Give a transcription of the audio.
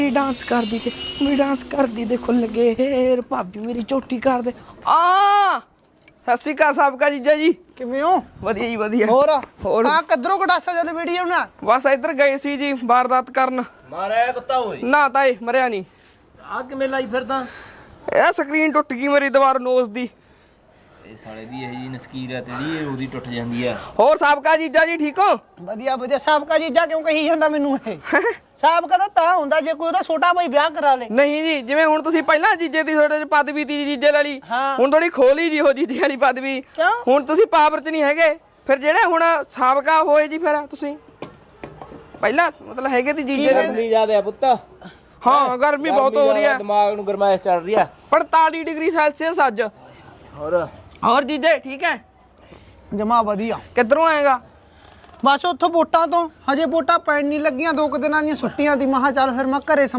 Dance कर दी मेरी dance कर दी देखो लगे हेर भाभी मेरी झोटी कर दे आ सत श्री अकाल साबका जीजा जी किवें हो वधिया जी वधिया ਹੋਰ ਆ ਕਿੱਧਰੋਂ ਕਟਾਸਾ ਜਦ ਵੀਡੀਓ ਬਣਾ बस इधर गए सी जी वारदात करन ਮਾਰਿਆ ਕੁੱਤਾ ਓਏ ना ताए मरिया नहीं ਆ ਕਿਵੇਂ ਲਾਈ ਫਿਰਦਾ ਇਹ ਸਕਰੀਨ ਟੁੱਟ ਗਈ ਮੇਰੀ ਦੀਵਾਰ ਨੋਸ ਦੀ ਇਹ ਸਾਲੇ ਦੀ ਇਹ ਜੀ ਨਸਕੀਰ ਆ ਤੇਰੀ ਇਹ ਉਹਦੀ ਟੁੱਟ ਜਾਂਦੀ ਆ ਹੋਰ ਸਾਬਕਾ ਜੀਜਾ ਜੀ ਠੀਕ ਹੋ ਵਧੀਆ ਵਧੀਆ ਸਾਬਕਾ ਜੀਜਾ ਕਿਉਂ ਕਹੀ ਜਾਂਦਾ ਮੈਨੂੰ ਇਹ ਸਾਬਕਾ ਤਾਂ ਹੁੰਦਾ ਜੇ ਕੋਈ ਉਹਦਾ ਛੋਟਾ ਭਾਈ ਵਿਆਹ ਕਰਾ ਲੇ ਨਹੀਂ ਜੀ ਜਿਵੇਂ ਹੁਣ ਤੁਸੀਂ ਪਹਿਲਾਂ ਜੀਜੇ ਦੀ ਤੁਹਾਡੇ ਚ ਪਦਵੀ ਤੀ ਜੀਜੇ ਵਾਲੀ ਹਾਂ। ਹੁਣ ਥੋੜੀ ਖੋਲੀ ਜੀ ਉਹ ਜੀਜੇ ਵਾਲੀ ਪਦਵੀ ਕਿਉਂ? ਹੁਣ ਤੁਸੀਂ ਪਾਵਰ ਚ ਨਹੀਂ ਹੈਗੇ ਫਿਰ ਜਿਹੜੇ ਹੁਣ ਸਾਬਕਾ ਹੋਏ ਜੀ ਫਿਰ ਤੁਸੀਂ ਪਹਿਲਾਂ ਮਤਲਬ ਹੈਗੇ ਤੀ ਜੀਜੇ ਦੇ ਗਰਮੀ ਜ਼ਿਆਦਾ ਆ ਪੁੱਤ ਹਾਂ ਗਰਮੀ ਬਹੁਤ ਹੋ ਰਹੀ ਹੈ ਦਿਮਾਗ ਨੂੰ ਗਰਮਾਇਸ਼ ਚੱਲ ਰਹੀ ਆ 45 ਡਿਗਰੀ ਸੈਲਸੀਅਸ ਅੱਜ ਹੋਰ ਜੀਜੇ ਠੀਕ ਹੈ ਜਮਾ ਵਧੀਆ ਕਿੱਧਰੋਂ ਆਏਗਾ ਬਸ ਉੱਥੋਂ ਵੋਟਾਂ ਤੋਂ ਹਜੇ ਵੋਟਾਂ ਪੈਣ ਨਹੀਂ ਲੱਗੀਆਂ 2 ਦਿਨਾਂ ਦੀਆਂ ਛੁੱਟੀਆਂ ਦੀ ਮਹਾ ਚੱਲ ਫਿਰ ਮੈਂ ਘਰੇ